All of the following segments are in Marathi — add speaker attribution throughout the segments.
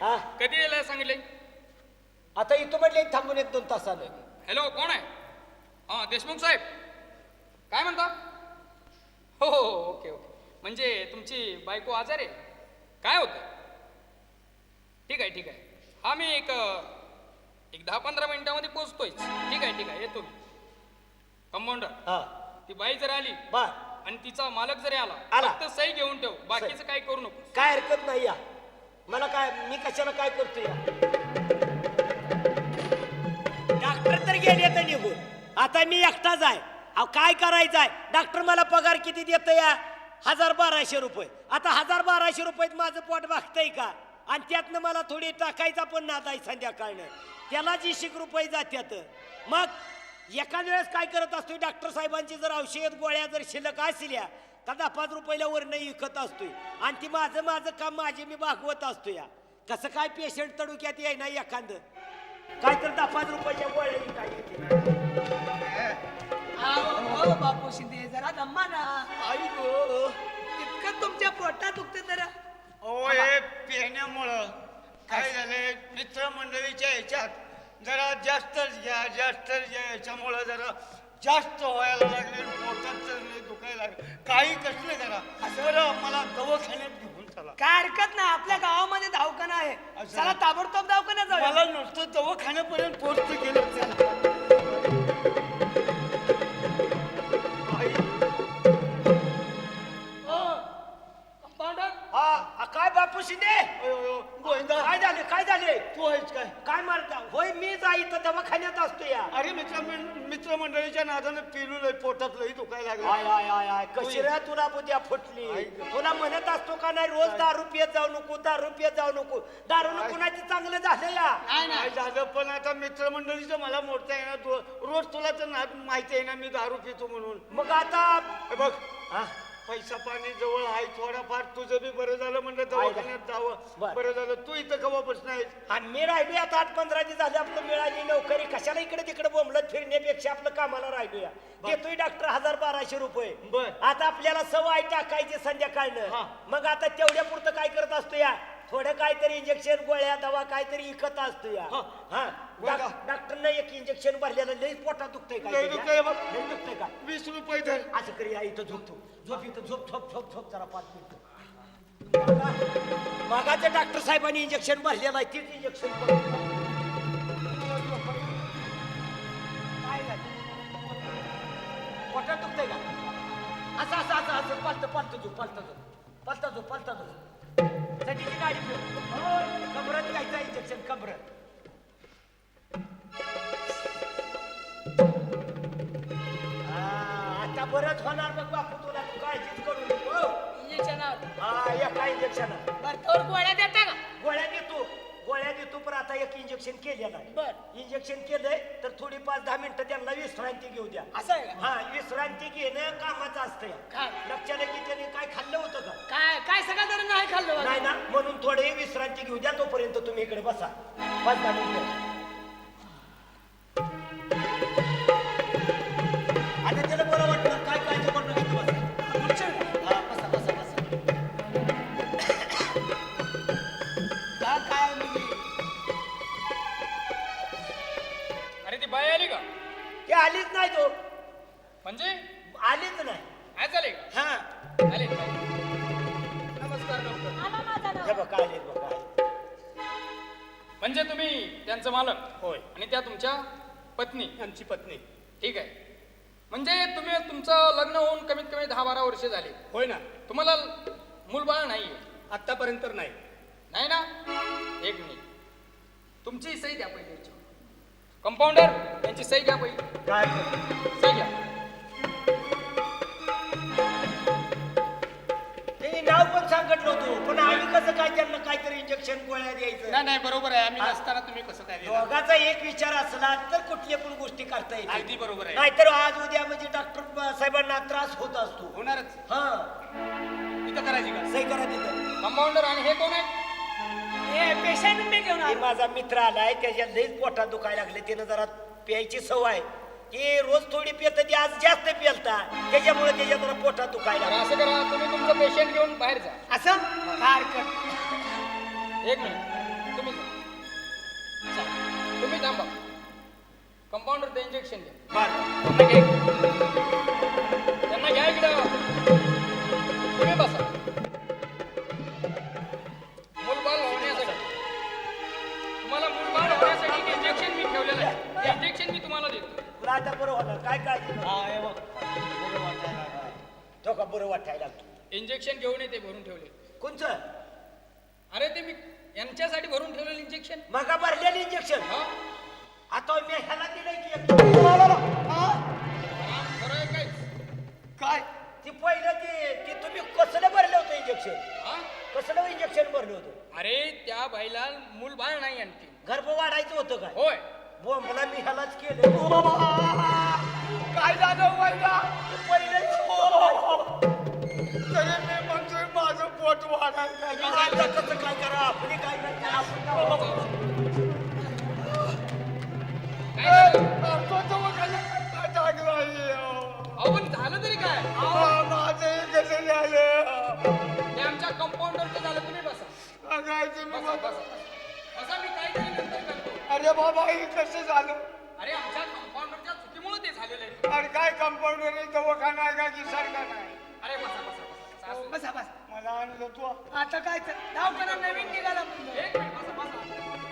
Speaker 1: हा
Speaker 2: कधी यायला सांगितले?
Speaker 1: आता इथं म्हटले थांबून 1-2 तासानं.
Speaker 2: हॅलो, कोण आहे? हां, देशमुख साहेब. काय म्हणता? हो हो हो, ओके ओके. म्हणजे तुमची बायको आजार आहे? काय होतं? ठीक आहे ठीक आहे. हा मी एक 10-15 मिनिटामध्ये पोहोचतोय. ठीक आहे ठीक आहे, येतो मी. कंपाऊंडर,
Speaker 1: हा
Speaker 2: ती बाई जर आली
Speaker 1: बर
Speaker 2: आणि तिचा मालक जरी आला
Speaker 1: आला.
Speaker 2: फक्त सही घेऊन ठेव, बाकीचं काय करू नको.
Speaker 1: काय हरकत नाही या. मला काय, मी कशाला काय करतो या. डॉक्टर तर गेले तर निघून, आता मी एकटाच आहे. अहो काय करायचं आहे. डॉक्टर मला पगार किती देत या? 1000-1200 रुपये. आता 1000-1200 रुपयात माझं पोट भागतंय का? आणि त्यातनं मला थोडी टाकायचा पण नाद आहे संध्याकाळनं. त्याला 20 रुपये जात्यात. मग एखाद वेळेस काय करत असतोय, डॉक्टर साहेबांची जर औषध गोळ्या जर शिल्लक असल्या तर 10-5 रुपयाला वरनं विकत असतोय. आणि ती माझं काम माझे मी भागवत असतो या. कसं काय पेशंट तडुक्यात येईना एखादं काय तर 10-5 रुपयाच्या गोळ्या काय येते.
Speaker 3: हो बापू शिंदे, जरा दम्मा ना.
Speaker 1: आई गो,
Speaker 3: इतकं तुमच्या पोटात दुखते जरा.
Speaker 4: हे पिण्यामुळं काय झालंय, मित्रमंडळीच्या ह्याच्यात जरा जास्तच घ्या याच्यामुळं जरा जास्त व्हायला लागले. पोटात तर दुखायला लागले. काही कसलं जरा बरं मला दवाखान्यात घेऊन चला.
Speaker 3: काय हरकत नाही, आपल्या गावामध्ये दवाखाना आहे.
Speaker 4: असं.
Speaker 3: चला ताबडतोब दवाखान्यात जाऊया.
Speaker 4: मला नुसतं दवाखान्यापर्यंत पोहोचतो गेलं चला.
Speaker 3: कंपाऊंडर,
Speaker 1: हा काय बापू शिंदे,
Speaker 4: गोविंदा,
Speaker 1: काय झाले
Speaker 4: तू आहेस काय?
Speaker 1: काय मारता? होय मी इथं दवाखान्यात असतो या.
Speaker 4: अरे मित्रमंडळीच्या नादानं पिलू पोटात लई दुखायला
Speaker 1: आय
Speaker 4: लागलं.
Speaker 1: आय आय आय कशी रे तुला बुद्ध्या फुटली. तुला म्हणत असतो का नाही, रोज दारू पियत जाऊ नको, दारू पियत जाऊ नको. दारूनं कुणाची चांगलं झालं या.
Speaker 4: काय झालं पण आता मित्रमंडळीचं मला मोडता येणार. रोज तुला तर माहिती आहे ना मी दारू पितो म्हणून.
Speaker 1: मग आता
Speaker 4: हे बघ,
Speaker 1: हा,
Speaker 4: पैसा पाणी जवळ आहे थोडाफार. तुझं बी बरं झालं म्हणलं दवाखान्यात जावं.
Speaker 1: बरं.
Speaker 4: बरं झालं तू इथं कवापासून आहेस?
Speaker 1: आणि मी राहिलो आता 8-15 दिवस झाले. आपलं मिळाली नोकरी, कशाला इकडे तिकडे बोंबलत फिरण्यापेक्षा आपलं कामाला राहिलो या. देतोय डॉक्टर 1000-1200 रुपये.
Speaker 4: बर.
Speaker 1: आता आपल्याला सवय टाकायची संध्याकाळनं.
Speaker 4: हा.
Speaker 1: मग आता तेवढ्या पुरतं काय करत असतो या, थोडं काहीतरी इंजेक्शन गोळ्या दवा काहीतरी इकत असतो या.
Speaker 4: हा.
Speaker 1: हा
Speaker 4: बघा.
Speaker 1: डॉक्टरनं एक इंजेक्शन भरलेलं लई पोटात दुखतंय
Speaker 4: लई
Speaker 1: काय
Speaker 4: दुखतंय बघ.
Speaker 1: लई दुखतंय का?
Speaker 4: 20 रुपये धर.
Speaker 1: असं करूया, इथं झोपतो. झोप इथं, झोप जरा 5 मिनिटं. मागाच्या डॉक्टर साहेबांनी इंजेक्शन भरलेलं आहे, तीच इंजेक्शन काय झालं? पोटात दुखतंय का? असं पालतं झोप. चटीची गाडी ठेव. कमरत घ्यायचं इंजेक्शन, कमरत. आता बरंच होणार बघ बापू, तुला तू काळजीच करू नको.
Speaker 3: इंजेक्शनावर
Speaker 1: हा एका इंजेक्शन
Speaker 3: बरं गोळ्या देता का?
Speaker 1: गोळ्या देतो पण आता एक इंजेक्शन केलेलं आहे.
Speaker 3: बर.
Speaker 1: इंजेक्शन केलंय तर थोडी 5-10 मिनिटं त्यांना विश्रांती घेऊ द्या.
Speaker 3: असं आहे का?
Speaker 1: हा, विश्रांती घेणं कामाचं असतं.
Speaker 3: काय?
Speaker 1: लक्षात की त्याने काय खाल्लं होतं का?
Speaker 3: काय सगळं जरी नाही खाल्लं
Speaker 1: नाही ना, म्हणून थोडी विश्रांती घेऊ द्या. तोपर्यंत तुम्ही इकडे बसा 5-10 मिनिटं. आता त्याला बरं वाटलं, काय काळजी करू नका, बसा. हा, बसा.
Speaker 3: काय म्हणजे
Speaker 2: अरे ती बाई आली का?
Speaker 1: ते आलीच नाही तो,
Speaker 2: म्हणजे
Speaker 1: आलीच नाही.
Speaker 2: काय झाले का?
Speaker 1: हा
Speaker 2: आले नमस्कार डॉक्टर.
Speaker 1: हे बघा आले बघा.
Speaker 2: म्हणजे तुम्ही त्यांचं मालक
Speaker 4: होय,
Speaker 2: आणि त्या तुमच्या पत्नी.
Speaker 4: आमची पत्नी.
Speaker 2: ठीक आहे. म्हणजे तुम्ही तुमचं लग्न होऊन कमीत कमी 10-12 वर्ष झाली.
Speaker 4: होय ना.
Speaker 2: तुम्हाला मूलबाळ नाहीये?
Speaker 4: आतापर्यंत नाही.
Speaker 2: नाही ना. एक मिनिट, तुमची सही द्या पहिले. कंपाऊंडर, यांची सही घ्या पहिले.
Speaker 1: काय
Speaker 2: सही घ्या.
Speaker 1: ते नाव पण सांगत नव्हतो, पण आम्ही कसं काय त्यांना काहीतरी इंजेक्शन गोळ्या द्यायचं.
Speaker 4: नाही बरोबर आहे. आम्ही नसताना तुम्ही कसं काय देणार?
Speaker 1: दोघाचा एक विचार असला तर कुठल्या पण गोष्टी करता येतील.
Speaker 4: अगदी बरोबर आहे.
Speaker 1: नाहीतर आज उद्या म्हणजे डॉक्टर साहेबांना त्रास होत असतो.
Speaker 4: होणारच.
Speaker 1: हा,
Speaker 4: इथं करायची का?
Speaker 1: सही करा तिथं.
Speaker 2: कंपाऊंडर, आणि हे कोण आहे?
Speaker 3: हे पेशंट मी घेऊन
Speaker 1: हे
Speaker 3: आलो.
Speaker 1: माझा मित्र आलाय, त्याच्या लईच पोटात दुखायला लागले. त्यानं जरा प्यायची सवय. ते रोज थोडी पित, ती आज जास्त पिलता, त्याच्यामुळे त्याच्या जरा पोटात दुखायला
Speaker 2: तर
Speaker 1: लागलं.
Speaker 2: असं करा, तुम्ही तुमचं पेशंट घेऊन बाहेर जा.
Speaker 3: असं काय हरकत?
Speaker 2: एक मिनिट. तुम्ही जा. चला, तुम्ही थांबा. कंपाऊंडरचं इंजेक्शन घ्या.
Speaker 1: बरं
Speaker 2: त्यांना घ्या इकडं. त्यांना घ्या इकडं. तुम्ही बसा. मूलबाळ होण्यासाठी तुम्हाला मूलबाळ होण्यासाठी इंजेक्शन मी ठेवलेलं आहे. इंजेक्शन मी तुम्हाला देतो.
Speaker 1: तुला आता बरं होणार काय काय
Speaker 4: हा हे बघ बरं वाटायला लागलं.
Speaker 1: तो का बरं वाटायला लागतो
Speaker 2: इंजेक्शन घेऊन येते भरून ठेवले.
Speaker 1: कोणचं
Speaker 2: अरे ते मी यांच्यासाठी भरून ठेवलेलं इंजेक्शन.
Speaker 1: मग भरलेलं इंजेक्शन
Speaker 2: हा
Speaker 1: आता मी ह्याला दिलंय की एक.
Speaker 2: खरं आहे काय?
Speaker 4: काय
Speaker 1: ती पहिलं ती तुम्ही कसलं भरलं होतं इंजेक्शन
Speaker 2: हा
Speaker 1: कसलं इंजेक्शन भरलं होतं
Speaker 2: अरे त्या बाईला मूल बाळ नाही आणखी.
Speaker 1: गर्भ वाढायचं होतं काय
Speaker 2: होय
Speaker 1: मला मी ह्यालाच केलं
Speaker 4: काय झालं व्हायला
Speaker 1: पहिलं
Speaker 4: तरी मी म्हणतोय माझं पोट वाढायला
Speaker 1: आता कसं काय करा आपली काय करता आपण
Speaker 2: काय झालं?
Speaker 4: टाकलं
Speaker 2: अहो पण झालं तरी काय?
Speaker 4: माझं कसं झालं
Speaker 2: ते आमच्या कंपाऊंडरचं झालं. तुम्ही बसा.
Speaker 4: सांगायचं मी
Speaker 2: बसा बसा बसा. मी काहीतरी नंतर करतो.
Speaker 4: अरे बाबा हे कसं झालं
Speaker 2: अरे आमच्या कंपाऊंडरच्या चुकीमुळे ते झालेलं आहे.
Speaker 4: अरे काय कंपाऊंडर दवाखाना आहे का की सरकार नाही
Speaker 2: अरे बसा बसा बसा. असू दे.
Speaker 3: बसा बस
Speaker 4: मला आणलं तू
Speaker 3: आता काय दवाखाना नवीन निघाला म्हणलं.
Speaker 2: एक मिनिट बसा बसा.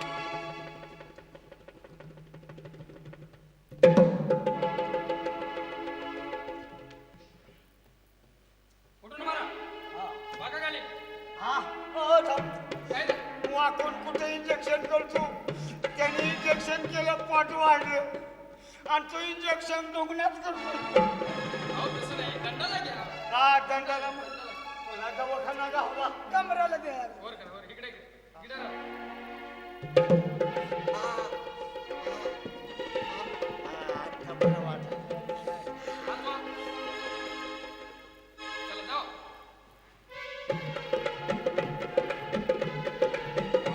Speaker 2: कुठून मारा? बघा खाली.
Speaker 4: हा
Speaker 2: काय झालं?
Speaker 4: वाकून कुठे इंजेक्शन करतो त्याने इंजेक्शन केलं पोट वाढलं आणि तो इंजेक्शन दुखण्यात करतो
Speaker 2: अहो तसं नाही. दंडाला घ्या.
Speaker 4: हा दंडाला तुला दवाखाना गावला
Speaker 3: कमराला द्या
Speaker 2: वर करा वर. इकडे इकडे राहा.
Speaker 1: आता बरं वाटलं
Speaker 2: हात वा. चला जाओ.